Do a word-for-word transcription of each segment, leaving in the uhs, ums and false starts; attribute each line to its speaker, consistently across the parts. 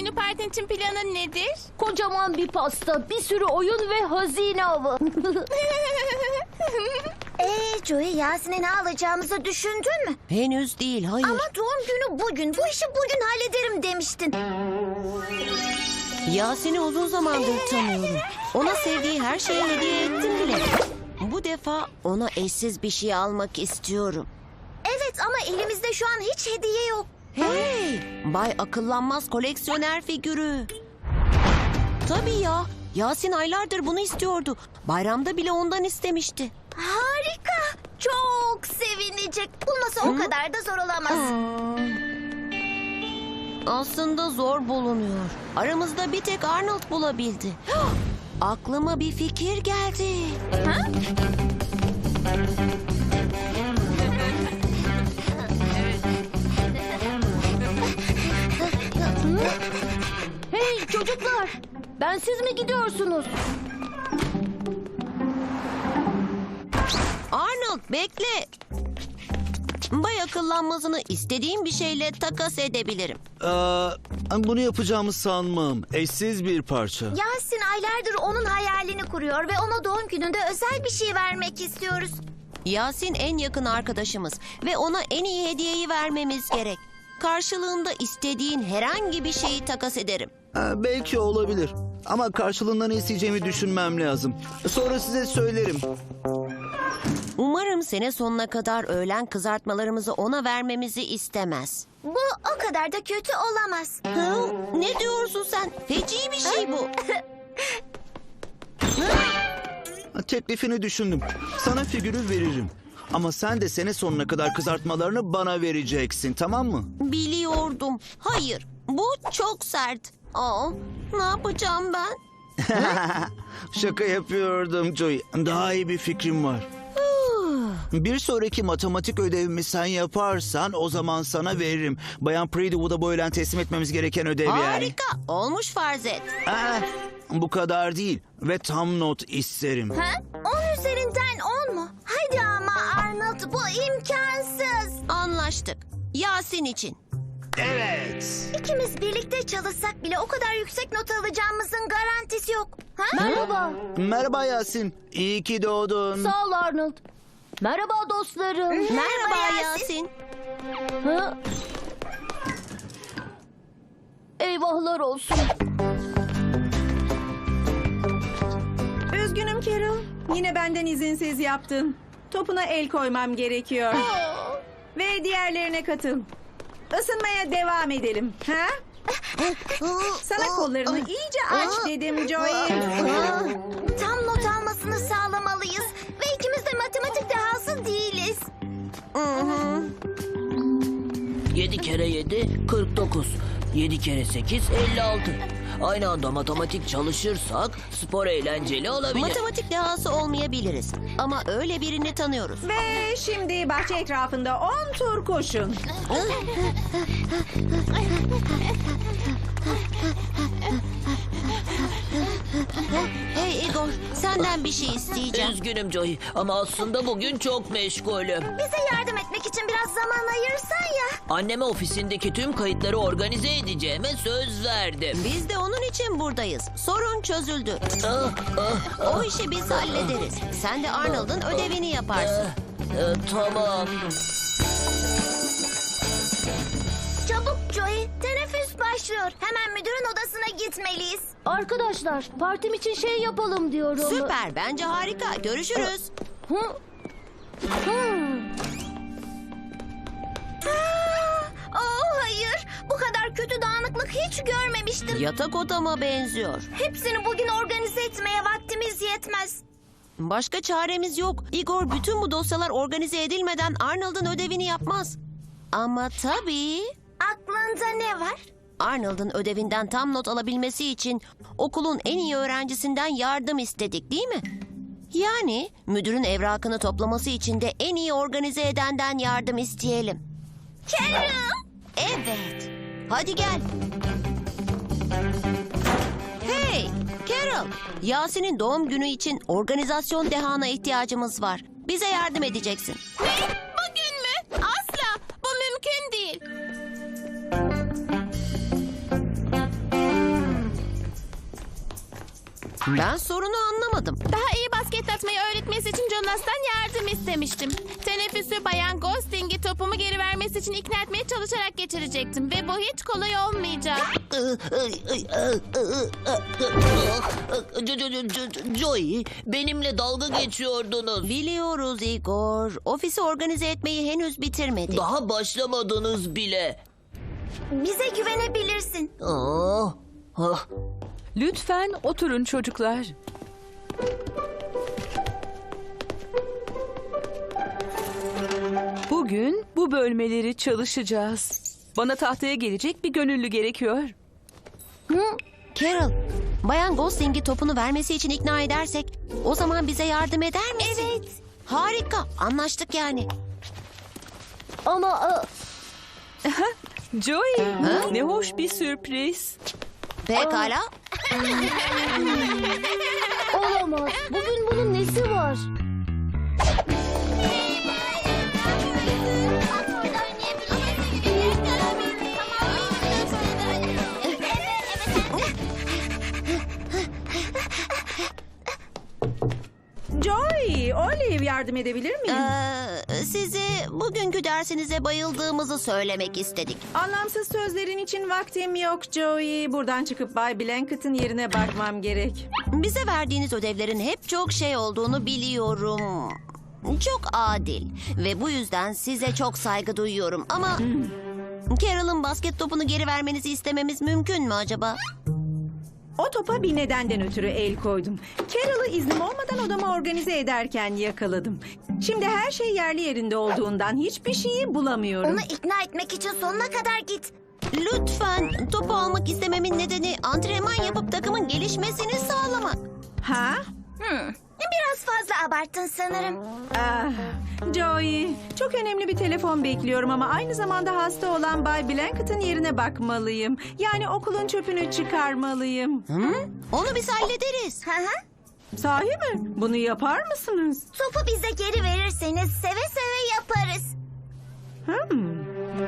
Speaker 1: günü partin için planın nedir?
Speaker 2: Kocaman bir pasta, bir sürü oyun ve hazine avı.
Speaker 3: Ee Joey, Yasin'e ne alacağımızı düşündün mü?
Speaker 4: Henüz değil, hayır.
Speaker 3: Ama doğum günü bugün. Bu işi bugün hallederim demiştin.
Speaker 4: Yasin'i uzun zamandır tanıyorum. Ona sevdiği her şeyi hediye ettim bile. Bu defa ona eşsiz bir şey almak istiyorum.
Speaker 3: Evet ama elimizde şu an hiç hediye yok.
Speaker 4: Hey! Bay Akıllanmaz koleksiyoner figürü. Tabii ya. Yasin aylardır bunu istiyordu. Bayramda bile ondan istemişti.
Speaker 3: Harika. Çok sevinecek. Bulması o kadar da zor olamaz.
Speaker 4: Aslında zor bulunuyor. Aramızda bir tek Arnold bulabildi. Aklıma bir fikir geldi.
Speaker 2: Hey çocuklar, ben siz mi gidiyorsunuz?
Speaker 4: Arnold bekle. Bay Akıllanmaz'ını istediğim bir şeyle takas edebilirim.
Speaker 5: Aa, bunu yapacağımı sanmam. Eşsiz bir parça.
Speaker 3: Yasin aylardır onun hayalini kuruyor ve ona doğum gününde özel bir şey vermek istiyoruz.
Speaker 4: Yasin en yakın arkadaşımız ve ona en iyi hediyeyi vermemiz gerek. Karşılığında istediğin herhangi bir şeyi takas ederim.
Speaker 5: Aa, belki olabilir. Ama karşılığında ne isteyeceğimi düşünmem lazım. Sonra size söylerim.
Speaker 4: Umarım sene sonuna kadar öğlen kızartmalarımızı ona vermemizi istemez.
Speaker 3: Bu o kadar da kötü olamaz.
Speaker 4: Hı? Ne diyorsun sen? Feci bir şey bu.
Speaker 5: Teklifini düşündüm. Sana figürü veririm. Ama sen de sene sonuna kadar kızartmalarını bana vereceksin, tamam mı?
Speaker 4: Biliyordum. Hayır, bu çok sert. Aa, ne yapacağım ben?
Speaker 5: Şaka yapıyordum Joey. Daha iyi bir fikrim var. Bir sonraki matematik ödevimi sen yaparsan o zaman sana veririm. Bayan Predywood'a bu öğlen teslim etmemiz gereken ödev yani.
Speaker 4: Harika. Olmuş farz et.
Speaker 5: Aa, bu kadar değil ve tam not isterim.
Speaker 3: Ha? On üzerinden on mu? Hadi ama Arnold, bu imkansız.
Speaker 4: Anlaştık. Yasin için.
Speaker 5: Evet.
Speaker 3: İkimiz birlikte çalışsak bile o kadar yüksek not alacağımızın garantisi yok. Ha?
Speaker 2: Merhaba.
Speaker 5: Merhaba Yasin. İyi ki doğdun.
Speaker 2: Sağ ol Arnold. Merhaba dostlarım.
Speaker 4: Merhaba
Speaker 3: Yasin.
Speaker 4: Yasin.
Speaker 2: Ha? Eyvahlar olsun.
Speaker 6: Üzgünüm Carol. Yine benden izinsiz yaptın. Topuna el koymam gerekiyor. Ve diğerlerine katıl. Isınmaya devam edelim. Ha? Sana kollarını iyice aç dedim Joey.
Speaker 3: Tam not almasını sağlamalıyız. Ve ikimiz de matematik dehası değiliz.
Speaker 7: Yedi kere yedi, kırk dokuz. Yedi kere sekiz, elli altı. Aynı anda matematik çalışırsak spor eğlenceli olabilir.
Speaker 4: Matematik dehası olmayabiliriz. Ama öyle birini tanıyoruz.
Speaker 6: Ve şimdi bahçe etrafında on tur koşun.
Speaker 4: Hey Igor, senden bir şey isteyeceğim.
Speaker 7: Üzgünüm Joey ama aslında bugün çok meşgulüm.
Speaker 3: Bize yardım etmek için biraz zaman ayırsan ya.
Speaker 7: Anneme ofisindeki tüm kayıtları organize edeceğime söz verdim.
Speaker 4: Biz de onun için buradayız. Sorun çözüldü.
Speaker 7: Ah, ah,
Speaker 4: O işi biz hallederiz. Sen de Arnold'un ödevini yaparsın.
Speaker 7: e, tamam.
Speaker 3: Çabuk Joey, teneffüs başlıyor. Hemen müdürün odasına gitmeliyiz.
Speaker 2: Arkadaşlar, partim için şey yapalım diyorum.
Speaker 4: Süper, bence harika. Görüşürüz.
Speaker 2: Hı? Hı.
Speaker 3: Oh hayır, bu kadar kötü dağınıklık hiç görmemiştim.
Speaker 4: Yatak odama benziyor.
Speaker 3: Hepsini bugün organize etmeye vaktimiz yetmez.
Speaker 4: Başka çaremiz yok. Igor bütün bu dosyalar organize edilmeden Arnold'un ödevini yapmaz. Ama tabii
Speaker 3: Aklında ne var?
Speaker 4: Arnold'un ödevinden tam not alabilmesi için okulun en iyi öğrencisinden yardım istedik, değil mi? Yani müdürün evrakını toplaması için de en iyi organize edenden yardım isteyelim.
Speaker 3: Carol!
Speaker 4: Evet. Hadi gel. Hey, Carol. Yasin'in doğum günü için organizasyon dehana ihtiyacımız var. Bize yardım edeceksin.
Speaker 1: Ne? Bugün mü? Asla. Bu mümkün değil.
Speaker 4: Ben sorunu anlamadım.
Speaker 1: Daha iyi basket atmayı öğretmesi için Jonas'tan yardım istemiştim. Teneffüsü Bayan Gosling'i topumu geri vermesi için ikna etmeye çalışarak geçirecektim. Ve bu hiç kolay olmayacak.
Speaker 7: Jo- jo- jo- Joey, benimle dalga geçiyordunuz.
Speaker 4: Biliyoruz Igor. Ofisi organize etmeyi henüz bitirmedik.
Speaker 7: Daha başlamadınız bile.
Speaker 3: Bize güvenebilirsin.
Speaker 7: Aa, ah.
Speaker 8: Lütfen oturun çocuklar. Bugün bu bölmeleri çalışacağız. Bana tahtaya gelecek bir gönüllü gerekiyor.
Speaker 4: Carol, Bayan Gosling'i topunu vermesi için ikna edersek o zaman bize yardım eder misin?
Speaker 3: Evet.
Speaker 4: Harika, anlaştık yani.
Speaker 2: Ama e,
Speaker 8: Joey, ne hoş bir sürpriz.
Speaker 4: Pekala.
Speaker 2: olamaz. Bugün bunun nesi var?
Speaker 6: Joy, Olive yardım edebilir miyim?
Speaker 4: Ee, size bugünkü dersinize bayıldığımızı söylemek istedik.
Speaker 6: Anlamsız sözlerin için vaktim yok Joey. Buradan çıkıp Bay Blankett'ın yerine bakmam gerek.
Speaker 4: Bize verdiğiniz ödevlerin hep çok şey olduğunu biliyorum. Çok adil ve bu yüzden size çok saygı duyuyorum ama... Carol'ın basket topunu geri vermenizi istememiz mümkün mü acaba?
Speaker 6: O topa bir nedenden ötürü el koydum. Carol'ı iznim olmadan odama organize ederken yakaladım. Şimdi her şey yerli yerinde olduğundan hiçbir şeyi bulamıyorum.
Speaker 3: Onu ikna etmek için sonuna kadar git.
Speaker 4: Lütfen, topu almak istememin nedeni antrenman yapıp takımın gelişmesini sağlamak.
Speaker 6: Ha?
Speaker 3: Hmm. Biraz fazla abarttın sanırım.
Speaker 6: Ah, Joey, çok önemli bir telefon bekliyorum ama aynı zamanda hasta olan Bay Blankett'ın yerine bakmalıyım. Yani okulun çöpünü çıkarmalıyım.
Speaker 4: Hı? Onu biz hallederiz.
Speaker 3: Hı hı.
Speaker 6: Sahi mi? Bunu yapar mısınız?
Speaker 3: Topu bize geri verirseniz seve seve yaparız.
Speaker 6: Hmm.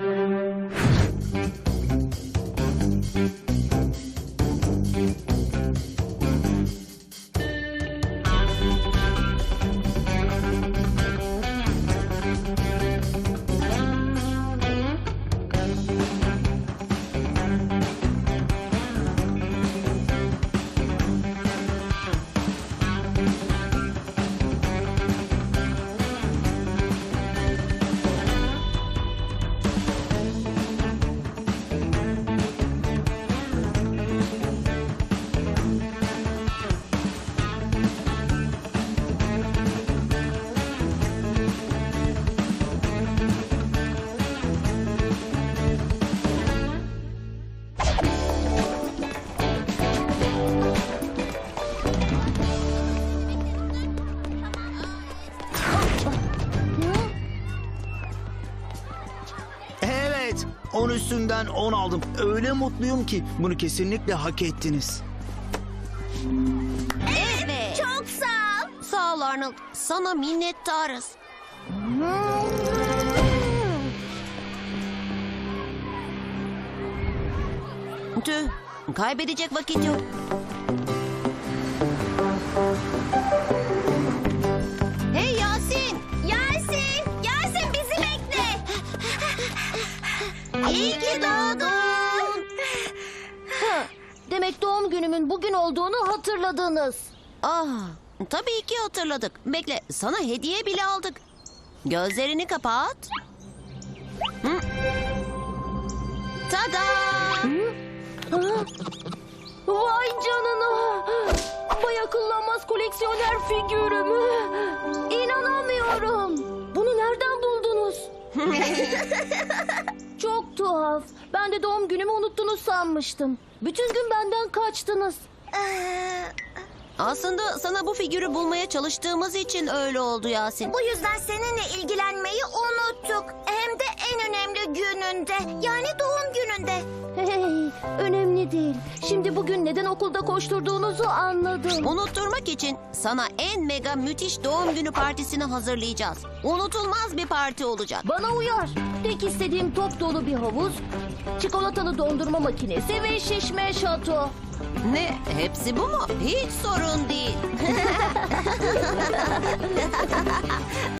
Speaker 5: Evet, on üstünden on aldım. Öyle mutluyum ki bunu kesinlikle hak ettiniz.
Speaker 4: Evet.
Speaker 3: Çok sağ ol.
Speaker 4: Sağ ol Arnold. Sana minnettarız. Tüh, kaybedecek vakit yok. Hey Yasin!
Speaker 3: Yasin, Yasin bizi bekle.
Speaker 4: İyi ki doğdun.
Speaker 2: Demek doğum günümün bugün olduğunu hatırladınız.
Speaker 4: Ah, tabii ki hatırladık. Bekle, sana hediye bile aldık. Gözlerini kapat. Hı? Tada!
Speaker 2: Ha? Vay canına! Bay akıllanmaz koleksiyoner figürümü. İnanamıyorum. Bunu nereden buldunuz? Çok tuhaf. Ben de doğum günümü unuttunuz sanmıştım. Bütün gün benden kaçtınız.
Speaker 3: Ee,
Speaker 4: Aslında sana bu figürü bulmaya çalıştığımız için öyle oldu Yasin.
Speaker 3: bu yüzden seninle ilgilenmeyi unuttuk. Hem de en önemli gününde. Yani doğum gününde.
Speaker 2: Hey, Önemli değil. Şimdi bugün neden okulda koşturduğunuzu anladım.
Speaker 4: Unutturmak için sana en mega müthiş doğum günü partisini hazırlayacağız. Unutulmaz bir parti olacak.
Speaker 2: Bana uyar. Tek istediğim top dolu bir havuz, çikolatalı dondurma makinesi ve şişme şato.
Speaker 4: Ne? Hepsi bu mu? Hiç sorun değil.